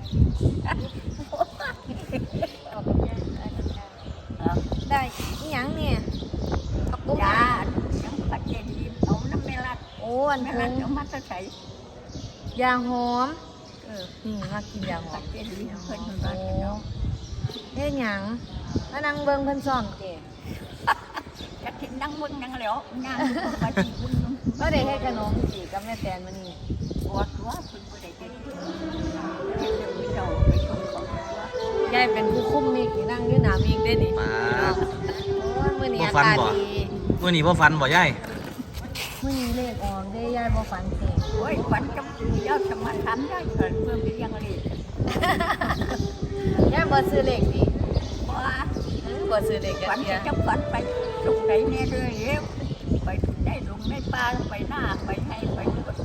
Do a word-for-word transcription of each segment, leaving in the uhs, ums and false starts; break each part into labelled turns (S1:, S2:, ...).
S1: ได้อีหยังเนี่ยกระปุก
S2: ยายังปัจเจดีเอาน้ำเมลัด
S1: โอ้อัน
S2: เม
S1: เพิ่
S2: ลัด
S1: ง
S2: เอามาใส่
S1: ยาหอม
S2: เออ
S1: นี่มากินยาหอ
S2: ปั
S1: ม
S2: จเจดีเพิ่น
S1: โอ้
S2: มาเนาะ
S1: เฮ็ดหยังมานั่งเบิ่งเพิ่นซ่อมเจ้
S2: จะกินนั่งมึงนั่งแล้วนั่งมาจีมึง
S1: บ่ได้เฮ็ดขนมสิกับแม่แตนมื้อนี้
S2: ปวดหัวเพิ่นบ่ได้เฮ็ดเฮ็ดเดี๋ยวเจ้าไปชมของหัวย
S1: ายเป็นผู้คุมมิกนี่นั่งอยู่หน้ามิกเด้นี่
S3: มา
S1: โอ้ยมื้อนี้
S3: บ่
S1: อา
S3: ฟัน
S1: กาศ
S3: บ่
S1: ดี
S3: มื้อนี้บ่ฟันบ่ยาย
S1: มื้อนี้เลขออกเด้ยายบ่ฝันเอง
S2: โอ้ยฝันจำยอดสมาทำได้เกิดเพิ่มไปยังเลย
S1: ยายบ่ซื้อเลขดิ
S2: ว่า
S1: บ่ซื้อเลขกั
S2: ฝัน
S1: นเดีย
S2: จะฝันไปตรงไหนแน่เลยเร็วไปได้ลงในป่าไปหน้าไปให้ไปทุก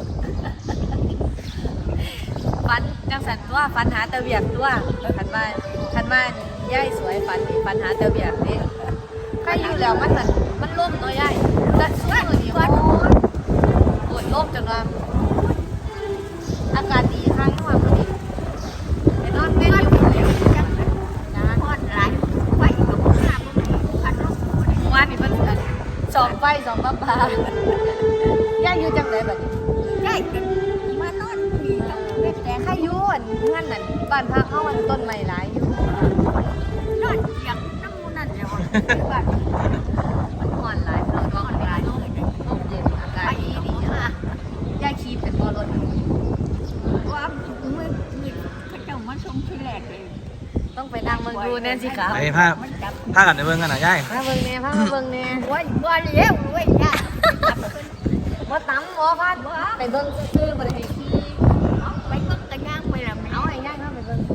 S1: ฝันจังสันตัวฝันหาแตะเวียกตัวคันว่าคันว่ายายสวยฝันนี่ฝันหาแตะเวียกเด้ใครอยู่แล้วมันนั่นมันล่มเนาะยายแต่ช่วงนี้โอ้ยโอ้ยล่มจนว่าอากาศดีข้างนอกมื้อนี้ไปนอนเว้นอยู่พุ่นแหล้ว
S2: น้าทอดหลายไฟกับพวกน้ำมันพัดลม
S1: เมื่อวานนี่เพิ่นอันส่องไฟส่องปลาปลายายอยู่จังไดบัดนี้
S2: ได้กันมานอนมีกับแม่แตง
S1: ใครอยู่อันเฮือนนั่นบ้านพักเฮาอันต้นไม้หลายอยู่
S2: นอนเสียงน้ำมูนั่นเลยว่า
S1: มันฮ้อนหลายเราต้องหลายลมลมเย็นอากา
S2: ไป
S1: ศดี
S2: ดี
S1: ดี
S2: อ่ะ
S1: ยายขี่เป็นบ่รถ
S2: ว่ามือมือเขาเจ้ามาชมที่แรกเลย
S1: ต้องไปนั่งเบิ่งดูแน่สิครับ
S3: ไปพา
S2: มันจับ
S3: พากันไปเบิ่งกันน่ะยาย
S1: มาเบิ่งแน่พามาเบิ่งแน่
S2: โอ้ยบ่เลี้ยวเว้ยย่า
S1: บ่ตำบ่พัดไปเบิ่งซื่อๆบ่ได้ให้ขี่
S2: เอาไปเบิ่งกันย่างไปแล้ว
S1: เอา
S2: เอา
S1: ให้ยายพาไปเบิ่ง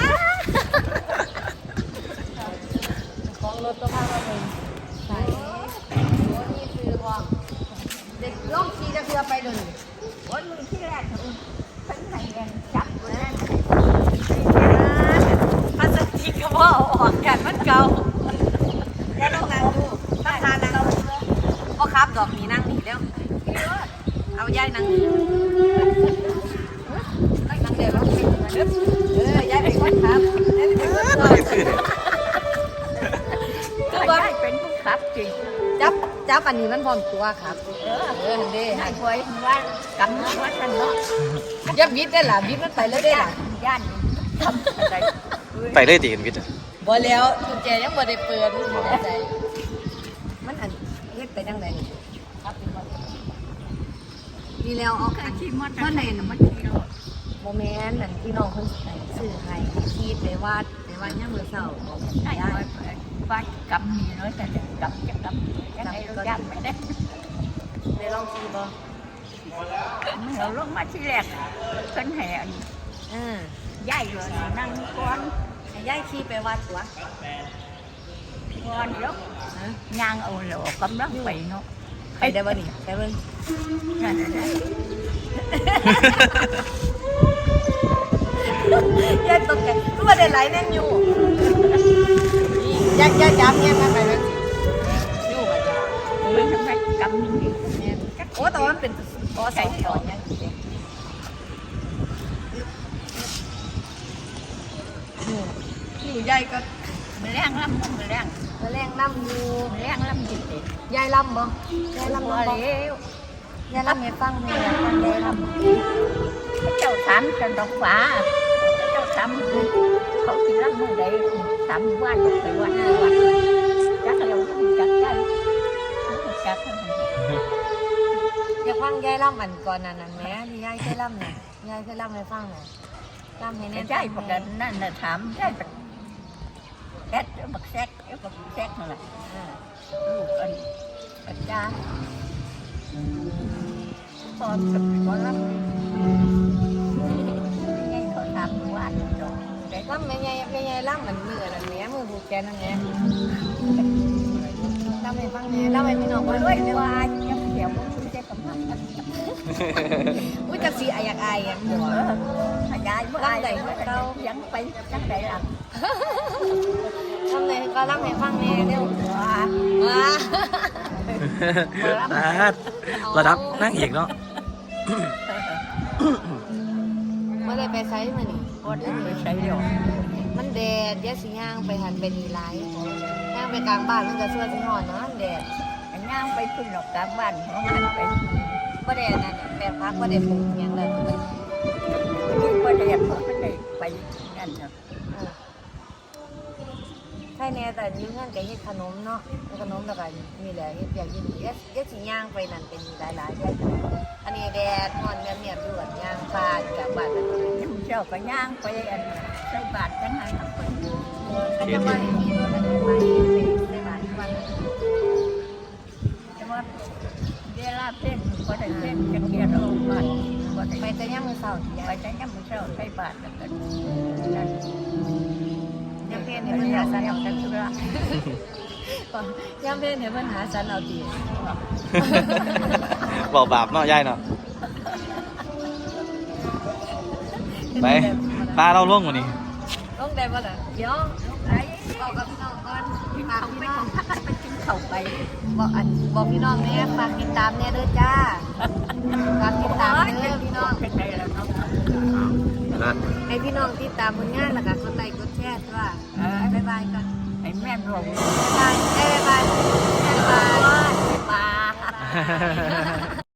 S1: ของรถก็พามาเบิ่งใช่โอ้นี่คือห้องเด็กลองขี่จะเพื่อไปเดิน
S2: โอ้ยมือที่แรกเพิ่นให้กันจับอยู่นั่น
S1: พลาสติกก็บ่เอาออกกันมันเก่าแล้วลองนั่งดูถ้าทานนั่งบ่ครับดอกนี้นั่งนี่แล้วเอายายนั่งนี่นั่งเดี๋ยวลองสิเออยายเป็นคนครับยายเป็นคนขับ
S2: ก็ได้เป็นผู้ขับจริง
S1: จับจับอันนี้มันพร้อมตัวครับ
S2: เออ
S1: เออเด้
S2: ให้ไว้ว่ากำลังว่าท่านเนาะ
S1: อย่าบิดได้ล่ะบิดมันไปเลยได้ล่ะ
S2: ย่านทำอะไร
S3: ไปเลยติเห็นวิทย์อะ
S1: บ่แล้วกุญแจยังบ่ได้เปิดบ่ได้ใจมันอันเฮ็ดไปจังได๋ครับเป็นบ่นี่แล้วเอา
S2: เค
S1: อั
S2: ย
S1: น
S2: ขี่มอเตอร์ไซค์น่ะมันขี่รถ
S1: บ่แม่นอันที่น้องเพิ่นให้ซื้อให้ขี่ไปวัดไปวัดยามมื้อเช้าบอก
S2: ได้
S1: ยาย
S2: ไว้ว่ากำมีน้อยแต่กำจะกำยังไงเราย่านไม่ได้
S1: ได้ลองขี่บ่
S2: เราลงมาที่แรกเพิ่นให้
S1: เออ
S2: ย้ายเลยนั่งก่อน
S1: ให้ยายขี่ไปวัดตัว
S2: ก่อนแล้ว
S1: ฮะ
S2: ย่างเอาแล้วกำลังไปเนาะ
S1: ไปได้บ่นี่ไปเบิ่ง
S2: นั่นน่ะ
S1: ยายตกใจรู้ว่าได้หลายแน่นอยู่นี่ยายยายจับแง่มาไปเบิ่งอยู่บ่จ้ะ
S2: มันทำไมกำมี
S1: แม่นโอ้แต่ว่ามันเป็นกอสองต่อยังสิเด้นี่นี่ยายก็
S2: มันแรงลำมันแรง
S1: มาแรงล่ำอยู่
S2: มันแรงลำจริง
S1: ยายล่ำบ่ยาย
S2: ๆ
S1: ล่ำ
S2: บ่
S1: บ่
S2: เลี้ยวย
S1: ายล่ำให้ฟังแม่อยากฟังยายล่ำ
S2: เจ้าถามจันดอกฟ้าเจ้าถามเขาสิลำมือใดถามว่าจะไปวัดไปวัดจักเราจักได้จัก
S1: อยากฟังยายล่ำอันก่อนนั้นนั่นแหม่ที่ยายเคยล่ำน่ะยายเคยล่ำให้ฟังน่ะล่ำให้แน่
S2: แต่ได้ประกันนั่นน่ะถามได้ประแก๊สบักแซกเอ้บักแซกนั่นแหละ
S1: อ่า
S2: ลูกอันปัญญาพอกับพอรับไงเขาถามว่าดอกแต่
S1: ล่ำแม่ยายแม่ยายล่ำเหมือนมือนั่นแหม่มือผูกแขนนั่นแหม่ล่ำให้ฟังแหน่ล่ำให้พี่น้อง
S2: ก็
S1: ฟัง
S2: ด้
S1: ด้
S2: ว
S1: วย ย
S2: ว่ายังเดี๋ยวมันจะกำลัง
S1: อุ้ยจักสีอาอยากอายอ่ะ
S2: เออขยายเมื่อไรเรายังไปจังไดล่ะ
S1: ทำไงก็ล่ำให้ฟังแหน่เร็ว
S2: ว่า
S1: ว้า
S3: อ่าระดับนั่งเอกเนาะ
S1: ไม่ได้ไปไซส์มานี่
S2: ก็ได้ไปใช้เดียว
S1: มันแดดยะสิย่างไปหันไปนีไรย่างไปกลางบ้านมันก็เสื้อสิหอนนะแดด
S2: อันย่างไปขึ้นหลอกกลางบ้านของมันไป
S1: บ่แดดนั่นน่ะแปลงพักบ่ได้ปลูกหยังเลย
S2: ยิ่งก็เรียนเขาไม่ได้ไปนั่นเนาะ
S1: ใช่แน่แต่อยุ่งงานกับเฮ็ดขนมเนาะเฮ็ดขนมแล้วก็มีแหละเฮ็ดอย่างยินดียะสิย่างไปนั่นเป็นหลายๆอย่างอันนี้แดดหอนแม่เมียบอยู่อันย่างบ้านกลางบ้านนั่น
S2: น้ำเจ้าก็ย่างไปอันใส่บาตรจังหันเอาไป
S1: ก็จะว่าอย่างนี้เราได้ไปในบ้านวัน
S2: แต่ว่าเวลาเต้นก็ได้เต้นจะเกียรเอาบาตรก็ได้
S1: ไปแต่ย่างมื้อเช้าที่
S2: ไป
S1: ยาย
S2: จังยังมือเจ้าใส่บาตรแล้วกันนั่น
S1: ย่างเพศ
S2: เห็
S1: ให้
S2: น
S1: เพิ่น
S2: ยา
S1: หา
S2: สั
S1: สั
S2: น
S1: น
S2: เอา
S1: เอา
S2: แต่ธุระ
S1: ย่างเพศให้เพิ่นหาสันเอาดี
S3: บอกบาปเนาะยายเนาะไปปลาเราล่วงกว่านี้
S1: ลงได้บ่ล่ะเดี๋ยว
S2: ไอ้
S1: บอกกับพี่น้องก่อน
S2: กิน
S1: ฝาก
S2: เขา
S1: พี่
S2: ไป
S1: น้อง
S2: ของพักไปกินเขาไป
S1: บอกอันบอกพี่น้องแน่ฝากติดตามแน่เด้อจ้าฝากติดตามเด้อพี่น้อง
S2: เป็นไงแล้วเนาะ
S1: ให้พี่น้องติดตามผลงานแล้วก็กดไลค์กดแชร์ด้วย
S2: เออ
S1: บ๊ายบายกัน
S2: ไอ้แม่หลง
S1: บ๊ายบายบ๊ายบายบ๊ายบาย
S2: บ๊ายบาย